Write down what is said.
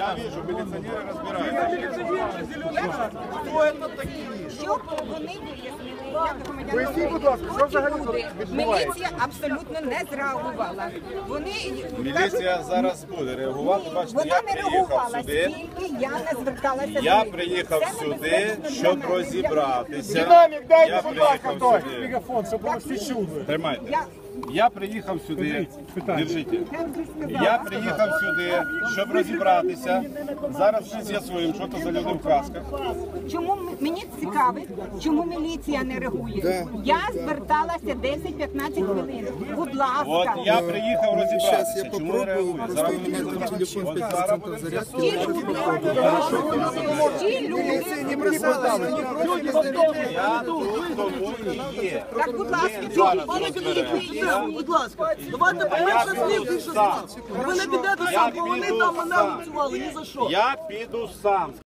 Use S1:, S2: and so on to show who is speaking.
S1: Я вижу, міліціонери розбираються. Хто це такі?
S2: Щоб вони вияснили, як громадяни
S3: Поясніть, будь ласка, що взагалі тут
S2: люди.
S3: відбувається?
S2: Міліція абсолютно не зреагувала. Вони
S1: Міліція зараз буде реагувати. Бачите,
S2: вона
S1: я
S2: не
S1: приїхав
S2: реагувала,
S1: сюди.
S2: скільки я не зверталася.
S1: Я
S2: до
S1: приїхав
S2: них. Це
S1: сюди,
S2: небезпечно
S1: щоб
S2: для мене.
S1: розібратися.
S3: Динамік дайте,
S1: Я
S3: будь ласка,
S1: приїхав
S3: той
S1: сюди.
S3: мегафон, щоб було всі чули.
S1: Тримайте.
S2: Я-
S1: Я приїхав сюди.
S3: питання.
S1: Держіть.
S2: Я вже сказала.
S1: Я приїхав сюди, щоб розібратися. Зараз ми з'ясуємо, що це за люди в касках.
S2: Чому мені цікавить, чому міліція не реагує? Я зверталася 10-15 хвилин. Будь ласка.
S1: От я приїхав розібратися.
S4: я
S1: Чому не реагує?
S4: попробую,
S1: Зараз
S4: просто
S1: ми
S4: у меня там телефон
S1: От
S4: без
S1: зараз
S4: центра
S1: будемо
S4: зарядки.
S2: Ті
S1: з'ясовувати.
S2: люди,
S4: Не бросалась, они просто зарядки.
S1: Я тут тому і є.
S2: так, будь ласка,
S1: Зараз
S5: Пане
S1: розберемо.
S5: Кирило, будь ласка, давайте по-перше слів, що
S1: сам.
S5: ви не підете
S1: Я
S5: сам, бо вони
S1: піду
S5: там мене
S1: сам.
S5: працювали ні за що.
S1: Я піду сам.